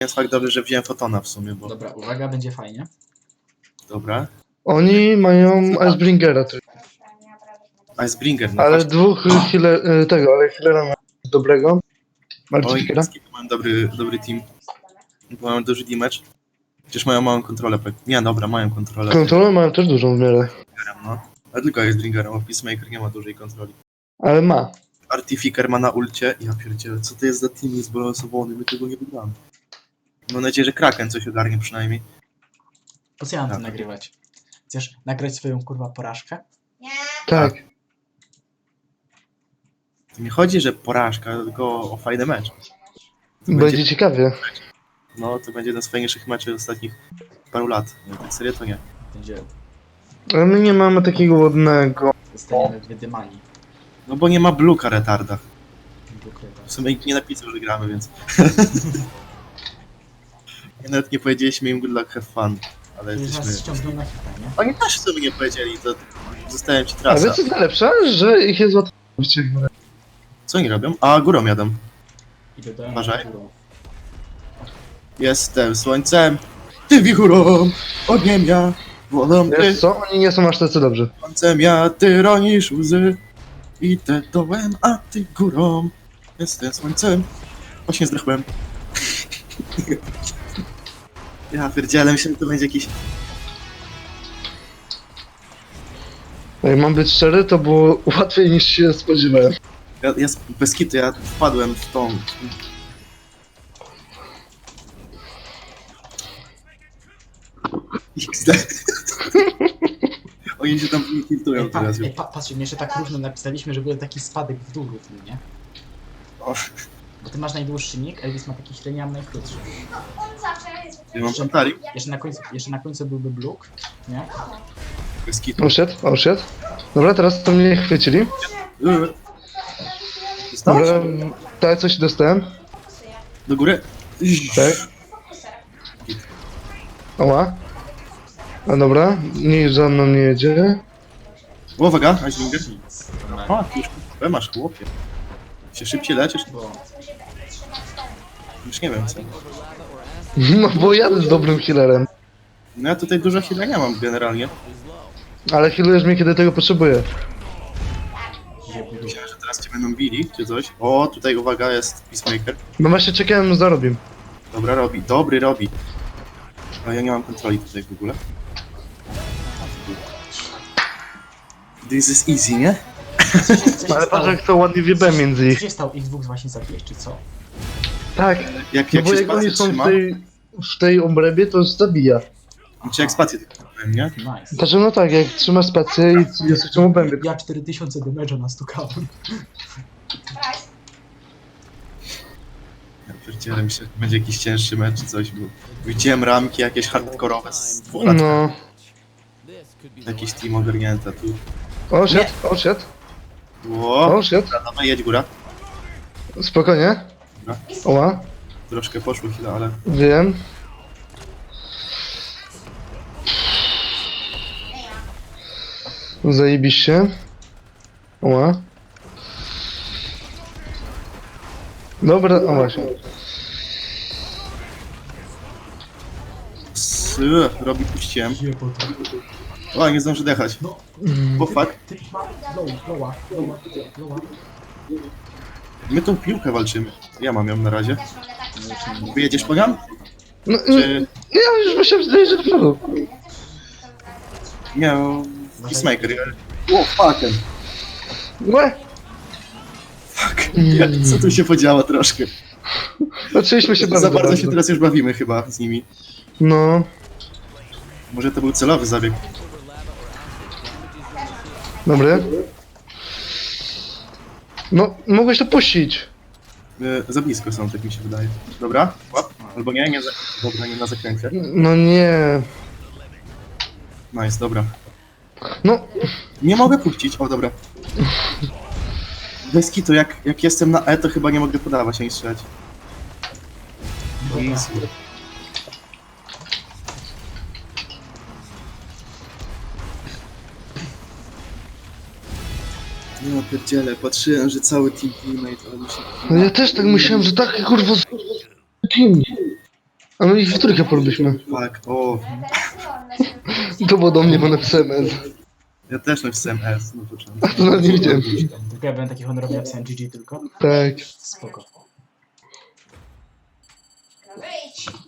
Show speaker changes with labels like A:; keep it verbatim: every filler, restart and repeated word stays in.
A: Jest fakt dobry, że wziąłem Fotona w sumie, bo...
B: Dobra, uwaga, będzie fajnie.
A: Dobra.
C: Oni mają Icebringera,
A: Icebringer, no
C: ale
A: chodź.
C: dwóch healer, tego, ale healera ma dobrego.
A: Oj,
C: Marciniera.
A: mam dobry, dobry team. Bo mają duży damage. Przecież mają małą kontrolę. Nie, dobra, mają kontrolę.
C: Kontrolę mają też dużą w miarę,
A: No. A tylko Icebringerem, a Peacemaker nie ma dużej kontroli.
C: ale ma.
A: Artificer ma na ulcie. Ja pierdzielę, co to jest za team zbalansowany? My tego nie wygramy. Mam nadzieję, że Kraken coś ogarnie przynajmniej.
B: Po co ja mam to
A: Tak.
B: nagrywać? Chcesz nagrać swoją kurwa porażkę?
C: Tak.
A: To nie chodzi, że porażka, tylko o fajny mecz. To
C: Będzie
A: będzie,
C: ciekawie.
A: no, to będzie jeden z fajniejszych meczów ostatnich paru lat. No, tak serio to nie.
B: Będzie...
C: Ale my nie mamy takiego ładnego.
B: Zostaniemy wydymani.
A: No bo nie ma Bluka retarda.
B: Ukrywa.
A: W sumie nikt nie napisał, że gramy, więc... I nawet nie powiedzieliśmy im good luck, have fun. Ale
B: Już
A: jesteśmy...
B: nas ściągną na hita, nie?
A: Oni też w sumie nie powiedzieli, to zostałem ci
C: A
A: trasa.
C: wiesz co jest najlepsze? Że ich jest łatwo.
A: Co oni robią? A, górą jadą.
B: I dodałem
A: Uważaj.
B: górą.
A: Jestem słońcem, ty wichurą, ogniem ja, wodą ty,
C: Wiesz co? Oni nie są aż tacy dobrzy.
A: słońcem ja, ty ronisz łzy. Idę dołem, a ty górą. Jestem słońcem. Właśnie zdechłem. Ja pierdzielę, myślałem, że to będzie jakiś...
C: Jak mam być szczery, to było łatwiej niż się spodziewałem.
A: Ja, ja z- bez kitu, ja wpadłem w tą... iks de. Oni się tam tiltują
B: Ej, pa,
A: teraz.
B: ej, pa, patrzcie, my jeszcze tak równo napisaliśmy, że był taki spadek w dół równy, nie?
A: O,
B: Bo ty masz najdłuższy nick, Elvis ma taki średni, ja mam najkrótszy.
A: ja mam Pantari.
B: Jeszcze na końcu, jeszcze na końcu byłby Bluk, nie?
A: Bez kitu.
C: O shit, o shit. Dobra, teraz to mnie chwycili.
A: Yy. Dostałeś?
C: Dobra, tak, coś dostałem.
A: Do góry?
C: Tak. Oła. A dobra, nikt za mną nie jedzie.
A: O, uwaga, Icebreaker.
B: Nic.
A: O, już kupę masz, chłopie. Się szybciej leczysz?
B: Bo
A: Już nie wiem co.
C: No bo jadę z dobrym healerem.
A: No ja tutaj dużo chwilę nie mam generalnie.
C: Ale healujesz mnie, kiedy tego potrzebuję.
A: Myślałem, że teraz cię będą bili, czy coś. O, tutaj uwaga, jest Peacemaker.
C: No właśnie czekałem, zarobię.
A: Dobra, robi. Dobry robi. A ja nie mam kontroli tutaj w ogóle. This is easy, nie?
B: co się, co się
C: Ale
B: stało?
C: patrz jak to ładnie wiebę między
B: Co
C: ich.
B: się stało? Ich dwóch właśnie zabiłeś, czy co?
C: Tak,
A: Jak,
C: no
A: jak
C: bo
A: się
C: jak oni
A: spację
C: są w
A: trzyma,
C: tej, w tej obrębie, to zabija.
A: czy jak spację tylko powiem, nie?
B: Nice.
C: Znaczy no tak, jak trzymasz spację i jest w tym obrębie.
B: Ja cztery tysiące damage'a nastukałem.
A: Ja pierdzielę, myślę, że będzie jakiś cięższy mecz czy coś, bo widziałem ramki jakieś hardkorowe z dwóch
C: No.
A: Jakiś team ogarnięta tu.
C: O shit, o shit,
A: Ło,
C: o shit.
A: dawaj, jedź góra.
C: Spokojnie.
A: Dobra.
C: Oła,
A: Troszkę poszło chwilę, ale...
C: wiem. Zajebiście. Oła. Dobra, o właśnie.
A: S robi puściłem.
B: Jebota.
A: O, nie zdążę dechać.
B: No,
A: O fuck.
B: ty ma... Lowa, lowa, lowa, lowa.
A: My tą piłkę walczymy. Ja mam ją na razie. Wyjedziesz po nią?
C: No,
A: Czy...
C: ja już myślałem, że dojeżdżę do przodu.
A: Nie, no, Peacemaker. O, fucking.
C: Łe!
A: Fuck. Jak, co tu się podziało troszkę?
C: Zaczęliśmy się
A: Za
C: bardzo.
A: bardzo się teraz już bawimy chyba z nimi.
C: No,
A: Może to był celowy zabieg.
C: dobry. No, mogłeś to puścić.
A: E, za blisko są, tak mi się wydaje. Dobra, łap. Albo nie, nie za... Dobra, nie na zakręcie.
C: No nie.
A: Nice, dobra.
C: No,
A: Nie mogę puścić, o dobra. Bez kitu, jak, jak jestem na E, to chyba nie mogę podawać ani strzelać. Easy. No pierdziele, patrzyłem, że cały team teammate, ale mi się...
C: no ja też tak myślałem, że tak kurwa z... Kim? A my ich w trójkę porobiliśmy.
A: Tak, o,
C: To było do mnie, bo napisałem S.
A: ja też napisałem S. No to trzeba.
C: To nawet nie widziałem.
B: Tylko ja byłem taki honorowy, napisałem G G tylko.
C: Tak.
B: Spoko.
D: Wyjdź!